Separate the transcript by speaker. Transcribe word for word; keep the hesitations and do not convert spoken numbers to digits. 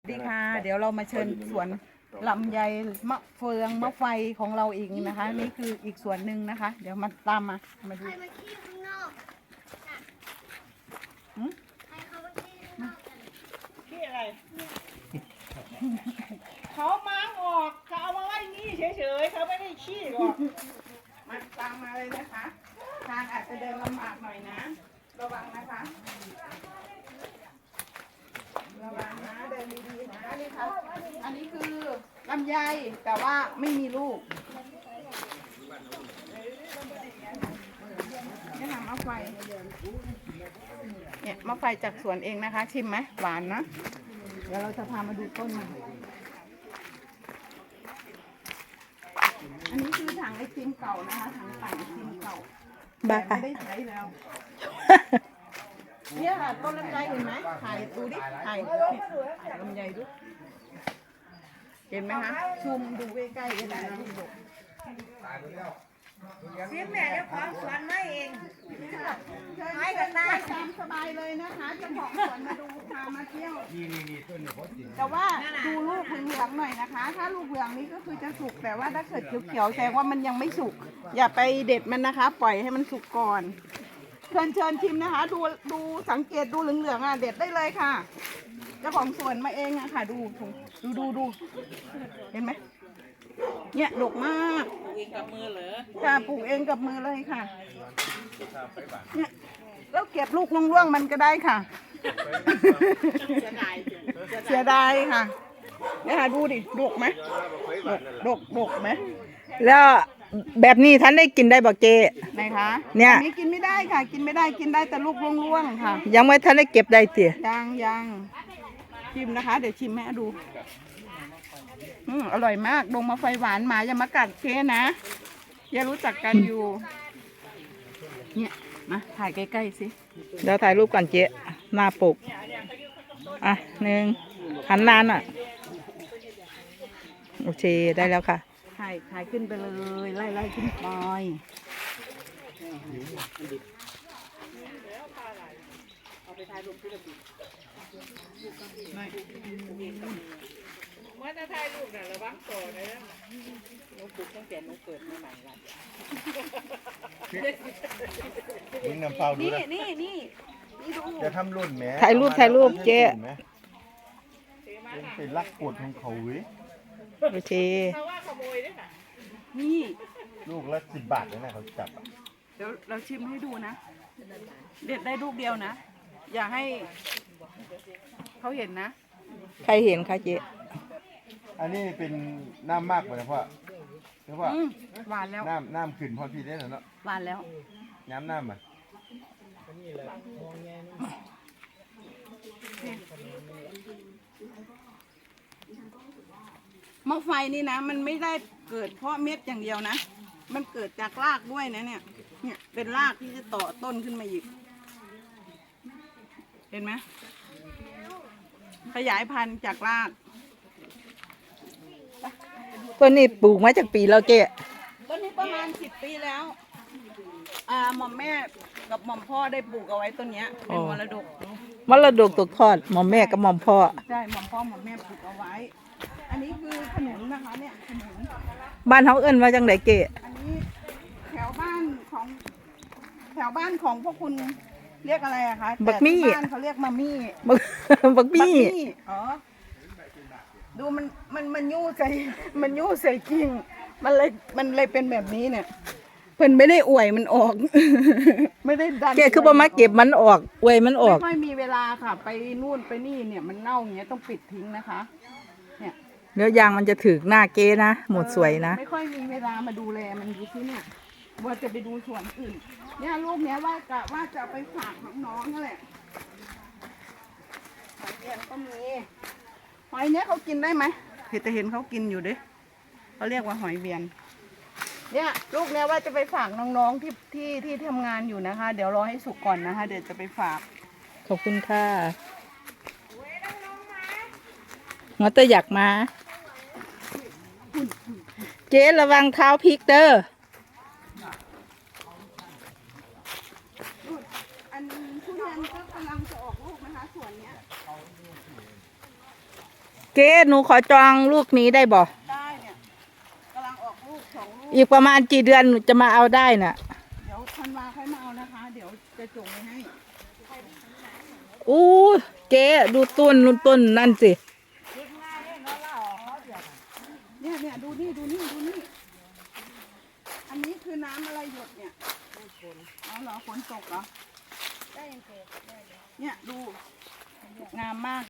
Speaker 1: สวัสดีค่ะเดี๋ยวเรามาเชิญสวนลำไยมะเฟืองมะไฟของเราอีกนะคะนี่คืออีกสวนหนึ่งนะคะ เดี๋ยวมาตามมามาดู
Speaker 2: ใครมาขี้ข้างนอกน่ะ
Speaker 1: หืม
Speaker 2: ใครเขามาขี้ข้างนอกกัน
Speaker 3: ขี้อะไร เขาม้างออกเขาเอามาไว้นี่เฉยๆเขาไม่ได้ขี้หรอก
Speaker 1: มาตามมาเลยนะคะทางอาจจะเดินลำบากหน่อยนะระวังนะคะระวังนะเดินดีๆนะนี่ค่ะอันนี้คือลำไยแต่ว่าไม่มีลูกนี่ค่ะมะไฟเนี่ยมะไฟจากสวนเองนะคะ ชิมไหมหวานนะเดี๋ยวเราจะพามาดูต้นมันอันนี้คือถังไอติมเก่านะคะถังปั่นไอติมเก่าแต่ไม่ได้ใช้แล้วเนี่ยค่ะต้นลำไยเห็นไหมถ่ายดูดิถ่ายถ่ายลำไยดูเห็นไหมคะซูมดูใกล้ๆก็ได้ลูกดก
Speaker 3: เสียแม่เจ้าของสวนไม่เอง
Speaker 1: ให้กันได้ตามสบายเลยนะคะเจ้าของสวนมาดูพามาเที่ยวแต่ว่าดูลูกเหลืองๆหน่อยนะคะ ถ้าลูกเหลืองนี้ก็คือจะสุกแต่ว่าถ้าเกิดเขียวๆแสดงว่ามันยังไม่สุกอย่าไปเด็ดมันนะคะ ปล่อยให้มันสุกก่อนเชิญเชิญชิมนะคะ ดูดูสังเกตดูเหลืองๆอ่ะเด็ดได้เลยค่ะเจ้าของสวนมาเองอะค่ะดูดูดูดูเห็นไหมเนี่ยดกมาก
Speaker 3: เองกับมือเหรอ
Speaker 1: ค่ะปลูกเองกับมือเลยค่ะเนี่ยแล้วเก็บลูกร่วงๆมันก็ได้ค่ะ
Speaker 3: จะได้
Speaker 1: เสียดายค่ะเนี่ยค่ะดูดิดกไหมดกดกดกไหม
Speaker 4: แล้วแบบนี้ท่านได้กินได้บ่เจ
Speaker 1: ไหนคะ
Speaker 4: เนี่ย
Speaker 1: อันี้กินไม่ได้ค่ะ กินไม่ได้กินได้แต่ลูกร่วงๆค่ะ
Speaker 4: ยังไม่ท่านได้เก็บได้เตี๋ย
Speaker 1: ยังยังชิมนะคะ เดี๋ยวชิมแม่ดูอืมอร่อยมากดงมาไฟหวานหมาอย่ามากัดเคนะอย่ารู้จักกันอยู่ เนี่ยมาถ่ายใกล้ๆสิ
Speaker 4: เดี๋ยวถ่ายรูปก่อนเจหน้าปกอ่ะหนึ่งหันนานอ่ะโอเคได้แล้วค่ะ
Speaker 1: ถ่ายถ่ายขึ้นไปเลยไล่ไล่ขึ้นไป
Speaker 3: เมื่อจะถ่ายรูปน่ะระวังต่อนะหนูปลูกตั้งแต่หนูเกิดใหม่ๆละ
Speaker 5: มึงนำเปล่าดู
Speaker 1: นี่
Speaker 5: นะ
Speaker 1: นี่นี่นี่ดู
Speaker 5: จะทำรุ่นแหม
Speaker 4: ถ่ายรูปถ่ายรูปเจ๊
Speaker 5: เป็นลักกดของเขาเว้ย
Speaker 4: โอเค
Speaker 3: เพราะว่าขโมยด้วยค่ะ
Speaker 1: นี่
Speaker 5: ลูกละสิบบาทเลยนะเขาจับอะ
Speaker 1: เดี๋ยวเราชิมให้ดูนะ เด็ดได้ลูกเดียวนะ อย่าให้เขาเห็นนะ
Speaker 4: ใครเห็นคะเจ
Speaker 5: อันนี้เป็นน้ำมากกว่านะพ่อเพราะว่า
Speaker 1: อืมหวานแล้ว
Speaker 5: น้ำน้ำขึ้นพอพี่ได้แล้วเนาะ
Speaker 1: หวานแล้ว
Speaker 5: น้ำน้ำอ่ะ
Speaker 1: มะไฟนี่นะ มันไม่ได้เกิดเพราะเม็ดอย่างเดียวนะ มันเกิดจากรากด้วยนะเนี่ย เนี่ยเป็นรากที่จะต่อต้นขึ้นมาอีก เห็นไหมขยายพันธุ์จากราก
Speaker 4: ต้นนี้ปลูกมาจากปีแล้วเจ
Speaker 1: ต้นนี้ประมาณสิบปีแล้ว อ่าหม่อมแม่กับหม่อมพ่อได้ปลูกเอาไว้ต้นเนี้ยเป็นมรดก
Speaker 4: มรดกตกทอดหมอมแม่กับหมอมพ่อ
Speaker 1: ใช่หม่อมพ่อหม่อมแม่ปลูกเอาไว้ อันนี้คือขนุนนะคะเนี่ยขนุน
Speaker 4: บ้านเขาเอิ้นว่าจังไดเจ
Speaker 1: อันนี้แถวบ้านของแถวบ้านของพวกคุณเรียกอะไรอะคะ
Speaker 4: บักมี่
Speaker 1: แต่ที่บ้านเขาเรียกมามี่
Speaker 4: บักบักบี้
Speaker 1: อ๋อ ดูมันมันมันยู่ใส่มันยู่ใส่กิ่งมันเลยมันเลยเป็นแบบนี้เนี่ย เพิ่นไม่ได้อวยมันออก ไม่ได้ดัน
Speaker 4: เจคือบ่มาเก็บมันออกอวยมันออก
Speaker 1: ไม่ค่อยมีเวลาค่ะ ไปนู่นไปนี่เนี่ยมันเน่าอย่างเงี้ยต้องปิดทิ้งนะคะ เนี่ย
Speaker 4: เนื้อยางมันจะถึกหน้าเจนะ หมดสวยนะ
Speaker 1: ไม่ค่อยมีเวลามาดูแลมันดูที่เนี่ยว่าจะไปดูสวนอื่น เนี่ยลูกเนี้ยว่ากะว่าจะเอาไปฝากน้องๆนั่นแหละหอยเวียนก็มีหอยเนี้ยเขากินได้ไหมเห็นแต่เห็นเขากินอยู่ดิเขาเรียกว่าหอยเวียน เนี่ยลูกเนี้ยว่าจะไปฝากน้องๆที่ที่ที่ทำงานอยู่นะคะ เดี๋ยวรอให้สุกก่อนนะคะ เดี๋ยวจะไปฝาก
Speaker 4: ขอบคุณค่ะหัวเตออยากมา เจ๊ระวังเท้าพลิกเด้อ
Speaker 1: อันทุเรียนก็กำลังจะออกลูกนะคะส่วนเนี้ย
Speaker 4: เจ๊หนูขอจองลูกนี้ได้บ่
Speaker 1: ได้เนี่ยกำลังออกลูกสองลูก
Speaker 4: อีกประมาณกี่เดือนหนูจะมาเอาได้น่ะ
Speaker 1: เดี๋ยวธันวาค่อยมาเอานะคะ เดี๋ยวจะจงไว้ให้
Speaker 4: อู้เจ๊ดูต้นนู่นต้นนั่นสิ
Speaker 1: เนี่ยเนี่ยดูนี่ดูนี่ดูนี่ อันนี้คือน้ำอะไรหยดเนี่ยอ๋อเหรอฝนตกเหรอ เนี่ยดูงามมาก